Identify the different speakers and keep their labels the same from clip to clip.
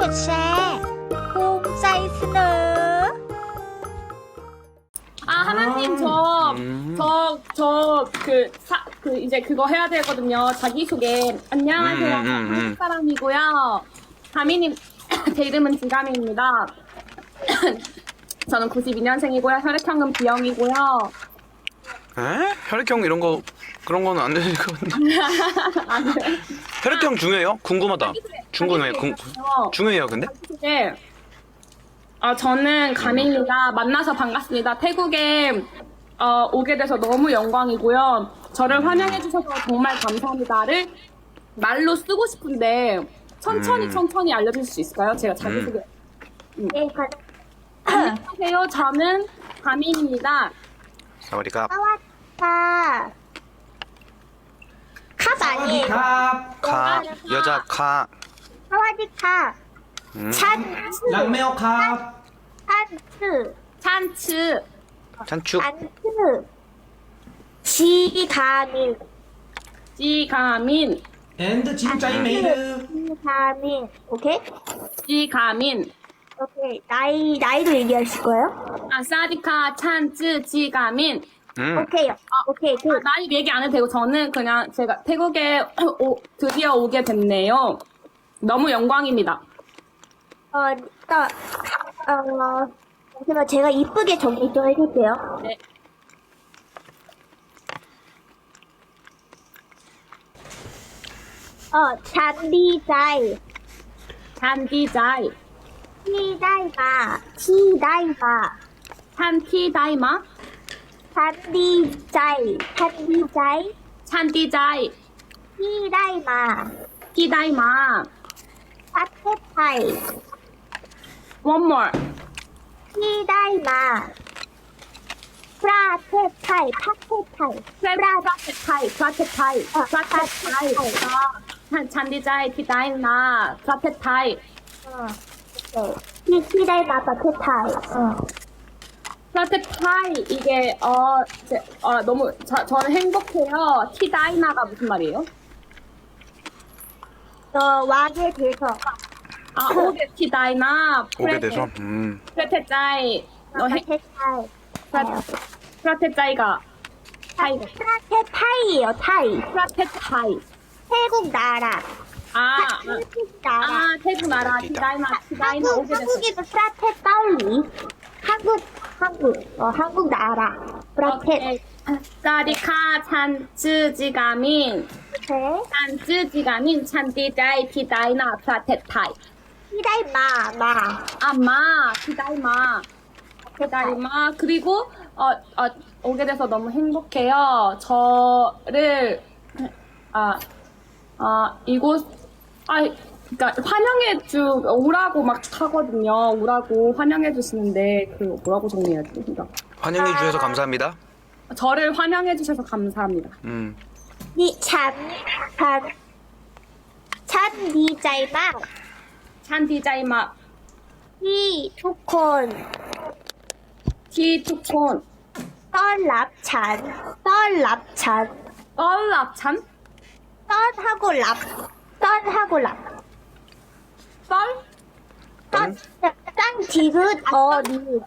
Speaker 1: ดแชร์ภูมิใจเสนอ
Speaker 2: 하나님, 이제 그거 해야 되거든요. 자기소개. 안녕하세요. 한국 사람이고요. 가미님, 제 이름은 진가미입니다. 저는 92년생이고요. 혈액형은 B형이고요.
Speaker 3: 에? 혈액형 이런 거 그런 거는 안 되는 거 같은데.
Speaker 2: 안 돼요?
Speaker 3: 혈액형 중요해요? 궁금하다. 중요해요. 중요해요, 근데?
Speaker 2: 자기소개. 저는 가민입니다. 만나서 반갑습니다. 태국에 오게 돼서 너무 영광이고요. 저를 환영해 주셔서 정말 감사합니다를 말로 쓰고 싶은데 천천히 알려줄 수 있을까요? 제가 자기소개.
Speaker 1: 네,
Speaker 2: 안녕하세요. 저는 가민입니다.
Speaker 3: 사와디캅.
Speaker 1: 사와디카. 캅 아니에요.
Speaker 3: 카. 여자 카.
Speaker 1: 사와디카. 찬츠.
Speaker 4: รักแมวครับ
Speaker 1: 찬츠.
Speaker 2: 찬츠.
Speaker 3: 찬축.
Speaker 1: 찬츠. 지가민.
Speaker 2: 지가민.
Speaker 4: and จริงใจไหมเด้อ
Speaker 1: 지가민. 오케이?
Speaker 2: 지가민.
Speaker 1: 오케이. 나이도 얘기하실 거예요?
Speaker 2: 사디카 찬츠 지가민.
Speaker 1: 오케이. 오케이. 그,
Speaker 2: 나이 얘기 안 해도 되고 저는 그냥 제가 태국에 드디어 오게 됐네요. 너무 영광입니다.
Speaker 1: 일단, 잠시만 제가 이쁘게 정리 좀 해줄게요.
Speaker 2: 네.
Speaker 1: 잔디자이.
Speaker 2: 찬디자이.
Speaker 1: 티다이마.
Speaker 2: 찬티다이마.
Speaker 1: 잔디자이.
Speaker 2: 찬디자이.
Speaker 1: 티다이마.
Speaker 2: 티다이마.
Speaker 1: 파테타이.
Speaker 2: One more.
Speaker 1: 티다이마. 프라테타이. 파테타이.
Speaker 2: 프라테타이. 찬디자이 티다이마. 프라테타이.
Speaker 1: 티다이마 파테타이.
Speaker 2: 프라테타이 이게 너무 저는 행복해요. 티다이마가 무슨 말이에요?
Speaker 1: 왕에 대해서.
Speaker 2: 오게 티다이마.
Speaker 3: 오게 돼서.
Speaker 2: 프라테타이.
Speaker 1: 파테타이.
Speaker 2: 프라테타이가
Speaker 1: 프라테타이예요, 타이.
Speaker 2: 프라테타이.
Speaker 1: 태국 나라. 태국 나라.
Speaker 2: 태국 나라 티다이마 오게 됐어.
Speaker 1: 한국에도 프라테타이. 한국 나라. 프라테.
Speaker 2: 사디카 찬츠지가민. 찬츠지가민 찬디자이 티다이나 프라테타이.
Speaker 1: 티다이마.
Speaker 2: 티다이마. 그리고 오게 돼서 너무 행복해요. 저를 이곳 그러니까 오라고 막 하거든요. 오라고 환영해 주시는데 그 뭐라고 정리해야지? 그러니까
Speaker 3: 환영해 주셔서 감사합니다.
Speaker 2: 저를 환영해 주셔서 감사합니다.
Speaker 1: 찬디자이마.
Speaker 2: 찬디자이마.
Speaker 1: ทุกคน
Speaker 2: 티투콘.
Speaker 1: ต้อนรับฉัน
Speaker 2: 썰랍찬?
Speaker 1: ต้อน하고 랍.
Speaker 2: 썰?
Speaker 1: 짠 디귿 니.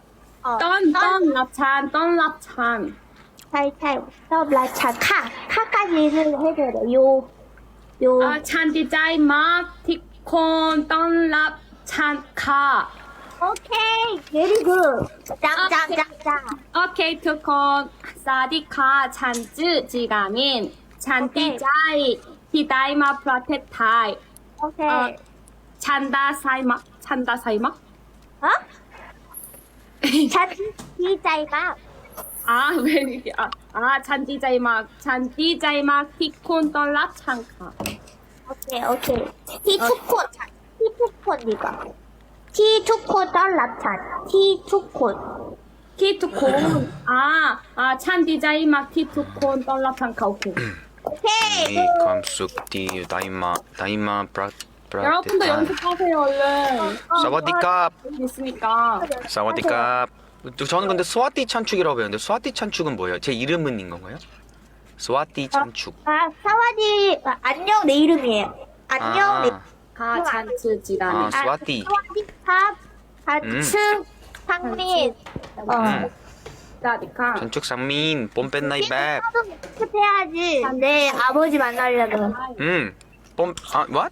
Speaker 2: 떤랍찬.
Speaker 1: ใช่ ต้อนรับฉัน 카까지 해줘야 돼. 요.
Speaker 2: 찬디자이마 티콘 떤랍찬 카.
Speaker 1: 오케이. very good. 짱.
Speaker 2: 오케이 투콘 사디카 찬즈 지가민 찬디자이 티다이마 프라테타이.
Speaker 1: 오케이.
Speaker 2: 찬다사이마.
Speaker 1: 어? 잔디자이마.
Speaker 2: 왜 이렇게 찬디자이마 티콘 떤랍찬 카.
Speaker 1: 오케이. 티투콘 이거. 티투콘ต้อนรับฉัน
Speaker 2: 티투콘. 찬디자이마 티투콘 떤랍찬 카. 오케이.
Speaker 1: 오케이.
Speaker 3: 감숙 디 다이마
Speaker 2: 여러분도 연습하세요 얼른.
Speaker 3: 사와디캅.
Speaker 2: 있으니까.
Speaker 3: 사와디캅. 저는 근데 스와티 찬축이라고 배웠는데 스와티 찬축은 뭐예요? 제 이름은 건가요? 스와티 찬축.
Speaker 1: 사와디 안녕 내 이름이에요. 안녕 내
Speaker 2: 다 잔츠 지라니.
Speaker 3: 아, 스와티.
Speaker 1: 스와디캅, 좌측, 상민.
Speaker 2: 라디카.
Speaker 3: 전축 상민, 뽐뺀 나이 백.
Speaker 1: 연습해야지. 내 아버지 만나려면.
Speaker 3: what?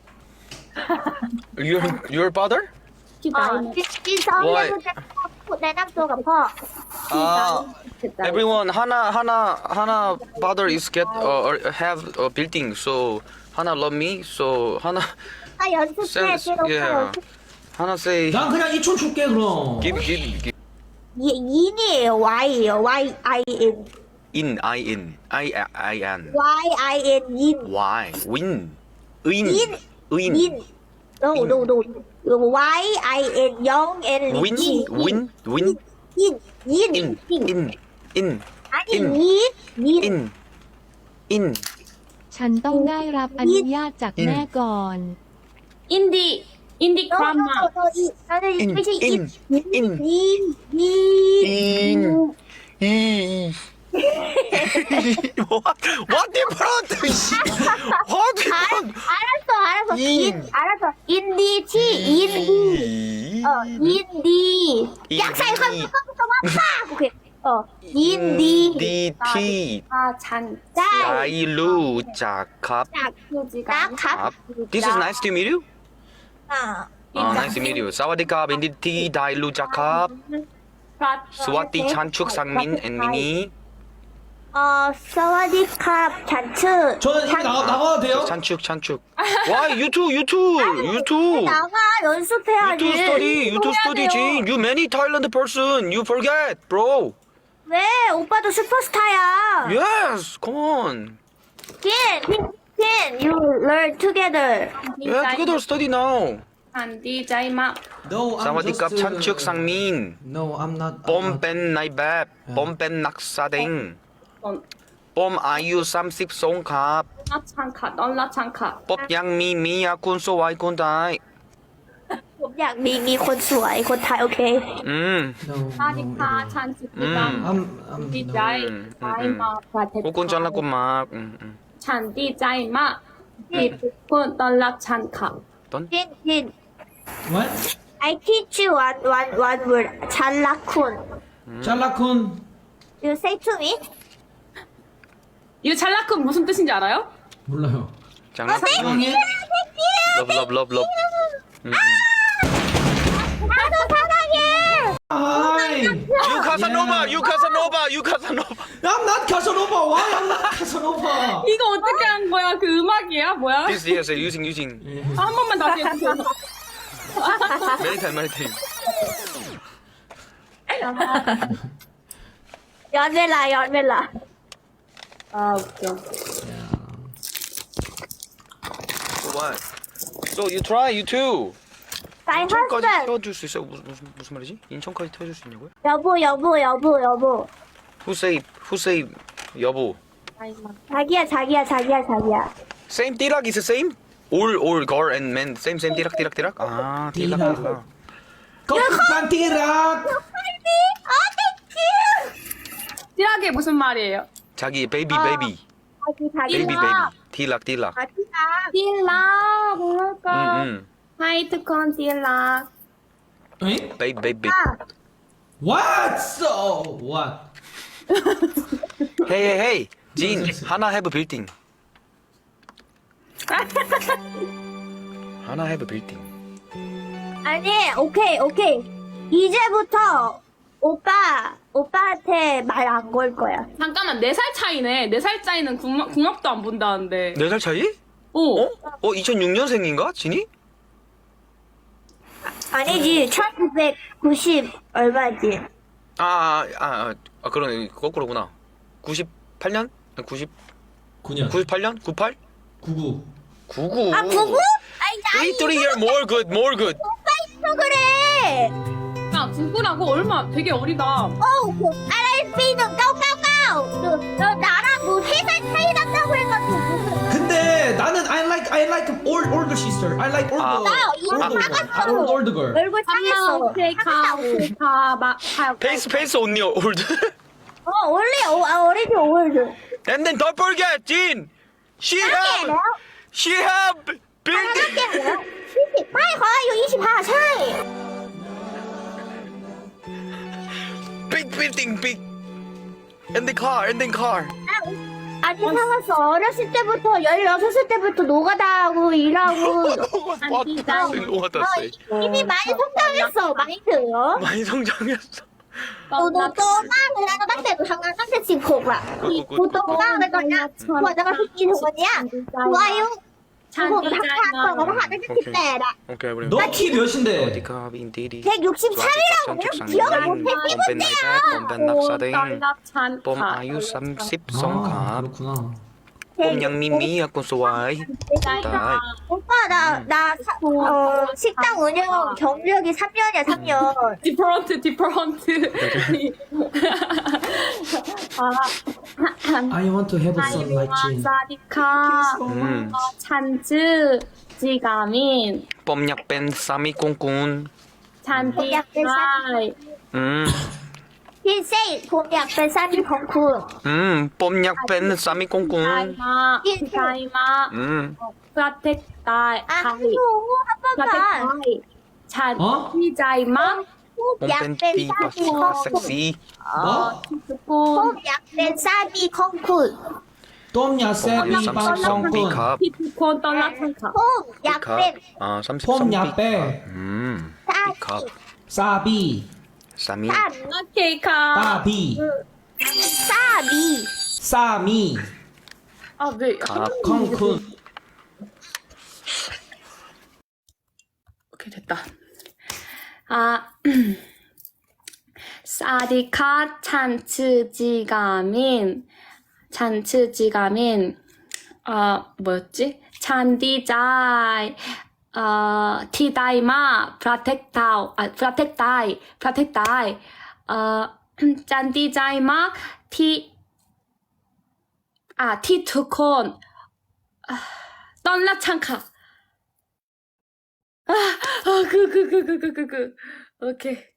Speaker 3: Your father?
Speaker 2: ที่
Speaker 1: 진짜 언니도 내남도 갚아.
Speaker 3: Everyone, 하나 father is get or have a building, so 하나 love me, so 하나
Speaker 1: 나 연습해.
Speaker 3: sense,
Speaker 1: 걔
Speaker 3: yeah. 하나 say
Speaker 4: 난 그냥 2촌 줄게 그럼.
Speaker 3: give
Speaker 1: 인이에요. Y예요. Y-I-N.
Speaker 3: in I-N
Speaker 1: Y-I-N. 인.
Speaker 3: why win
Speaker 1: 인.
Speaker 3: 인
Speaker 1: 인. No. Y-I-N. 영 N.
Speaker 3: win in
Speaker 1: 아니,
Speaker 3: 인.
Speaker 1: 인.
Speaker 3: in
Speaker 5: ฉันต้องได้รับอนุญาตจากแม่ก่อน
Speaker 2: 인디 크라마.
Speaker 1: 나는
Speaker 3: 인.
Speaker 1: ไม่ใช่
Speaker 3: in in what different what different
Speaker 1: 알았어. 알았어. 인디치. 인디. 인디. 약사 이거 팍. 오케이. 인디.
Speaker 3: 인디티
Speaker 2: 잔.
Speaker 3: 잘รู้จักครับ
Speaker 1: 나
Speaker 3: This is nice to meet you.
Speaker 1: 아.
Speaker 3: Nice to meet you. สวัสดีครับ 인디티 ได้รู้จักครับ สวัสดี 찬축 상민 and 미니.
Speaker 1: 사와디캅 잔츠.
Speaker 4: 저는 이미 나가도 돼요?
Speaker 3: 찬축. Why? You too.
Speaker 1: 나가 연습해야지.
Speaker 3: You too study, Jin. You many Thailand person. You forget, bro.
Speaker 1: 왜? 오빠도 슈퍼스타야.
Speaker 3: Yes, come on.
Speaker 1: Can you learn together?
Speaker 3: Yeah, together study now.
Speaker 2: 잔디 자이마.
Speaker 4: No, I'm
Speaker 3: 사와디캅
Speaker 4: just,
Speaker 3: 찬축 상민.
Speaker 4: No, I'm not.
Speaker 3: 뽐뺀 나이밥. 뽐뺀 낙사댕. 뽐 아유 30 송갑.
Speaker 2: 찬카. 널라 찬카.
Speaker 3: ป๊อบยังมีคุณสวยคุณได้
Speaker 1: ผมอยากมีคนสวยคนไทยโอเค
Speaker 4: No,
Speaker 2: 라디카 잔츠 지라.
Speaker 4: I'm
Speaker 2: 디자이 자이마.
Speaker 3: 고군 잘라고 막
Speaker 2: 잔디 자이마. 디군 널라 찬카.
Speaker 1: 진
Speaker 4: What?
Speaker 1: I teach you one word 잘라쿤
Speaker 4: 잘라쿤.
Speaker 1: You say to me
Speaker 2: 이 찰라크 무슨 뜻인지 알아요?
Speaker 4: 몰라요.
Speaker 3: 장난
Speaker 4: 형이?
Speaker 3: 러브
Speaker 1: 나도 사랑해
Speaker 4: Hi.
Speaker 3: 유카사노바
Speaker 4: I'm not Casanova. Why I'm not Casanova?
Speaker 2: 이거 어떻게 한 거야? 그 음악이야? 뭐야?
Speaker 3: This yes using
Speaker 2: 한 번만 다시 해주세요.
Speaker 3: many time
Speaker 1: 연벨라
Speaker 2: 아 웃겨.
Speaker 3: So what? So you try you too
Speaker 1: My
Speaker 3: 인천까지
Speaker 1: husband
Speaker 3: 태워줄 수 있어? 무슨 말이지? 인천까지 태워줄 수 있냐고요?
Speaker 1: 여보
Speaker 3: Who say 여보
Speaker 1: 자기야
Speaker 3: Same 띠락 is the same? All girl and men same 띠락 아 띠락
Speaker 4: 거북한 띠락.
Speaker 2: 띠락이 무슨 말이에요?
Speaker 3: 자기 베이비
Speaker 1: 자기
Speaker 3: 띠락
Speaker 2: 띠락 뭐랄까? 하이트콘 띠락.
Speaker 4: 에?
Speaker 3: 베이비
Speaker 4: What? So what?
Speaker 3: Hey 진 하나 have building 하나 have building
Speaker 1: 아니 오케이 이제부터 오빠한테 말 안 걸 거야
Speaker 2: 잠깐만 4살 차이네. 4살 차이는 궁합도 안 본다는데.
Speaker 3: 4살 차이?
Speaker 2: 어?
Speaker 3: 2006년생인가? 진이?
Speaker 1: 아니지 1990 얼마지
Speaker 3: 그러네 거꾸로구나 98년?
Speaker 4: 9년.
Speaker 3: 98년? 98?
Speaker 4: 99.
Speaker 3: 99
Speaker 1: 아 99? 아니
Speaker 3: 3 year more good
Speaker 1: 오빠 있어 그래
Speaker 2: 야, 누구라고? 얼마 되게 어리다.
Speaker 1: RSP는 까까까 너 나랑 뭐 3살 차이 난다고 해가지고 무슨
Speaker 4: 근데 나는 I like older sister. I like older girl.
Speaker 1: 얼굴 상했어
Speaker 3: 페이스 언니 올드
Speaker 1: 어리지 올드
Speaker 3: And then don't forget Jin She have
Speaker 1: 20ไม่ขออายุ25ใช่
Speaker 3: building big in the car
Speaker 1: 아니 살았어. 어렸을 때부터 16살 때부터 노가다 하고 일하고 이미 많이 성장했어. 많이 들어.
Speaker 3: 많이 성장했어
Speaker 1: หนูโตมากเลยนะตั้งแต่หนูทำงานตั้งแต่16อ่ะหนูโตมากเลยตอนเนี้ยกว่าจะมาถึงปีถึงวันเนี้ยหนูอายุหนูทำงานก่อนหนูทำงานตั้งแต่18อ่ะ
Speaker 3: 오케이 우리
Speaker 4: 너 키 몇인데?
Speaker 3: 어디가 빈디디
Speaker 1: 163이라고 기억을 못해
Speaker 3: 봄벤 나이다 봄벤 낙사댕
Speaker 2: 떨락찬
Speaker 3: 봄 아유 30 성갑
Speaker 4: 그렇구나.
Speaker 3: 봄 양미미 약간 소와이 다이
Speaker 1: 오빠 나 식당 운영 경력이 3년이야 3년
Speaker 2: 디퍼런트
Speaker 4: I want to have a son like Jin.
Speaker 2: 사디카 찬즈 지가민
Speaker 3: 봄약벤 쌈이 꽁꽁
Speaker 2: 찬디카이
Speaker 1: 흰색 봄 약간 쌈이 벙쿨
Speaker 3: 봄약벤 쌈이 꽁꽁
Speaker 2: 타이마 프라텍타이
Speaker 1: 아 그리고 한 번만
Speaker 2: 찬디자이마
Speaker 3: 봄벤 띠가 섹시
Speaker 4: 뭐?
Speaker 1: 봄 약간 쌈이 콩쿨
Speaker 4: 똠야
Speaker 3: 봄
Speaker 4: 세비
Speaker 3: 아유 30
Speaker 4: 빵빵
Speaker 3: 성비캅
Speaker 2: 피피콘 떨락찬카
Speaker 1: 봄 약간
Speaker 3: 아 30
Speaker 4: 폼
Speaker 3: 성비캅
Speaker 4: 야빼
Speaker 3: 비캅
Speaker 4: 사비
Speaker 3: 쌈이
Speaker 2: 케이카
Speaker 4: 따비
Speaker 1: 쌈이
Speaker 4: 싸미
Speaker 2: 아네
Speaker 4: 콩쿤
Speaker 2: 오케이 됐다 사디카 찬츠지가민 뭐였지? 찬디자이 티다이마 프라텍타이 짠디자이마 티투콘 떨라창카 오케이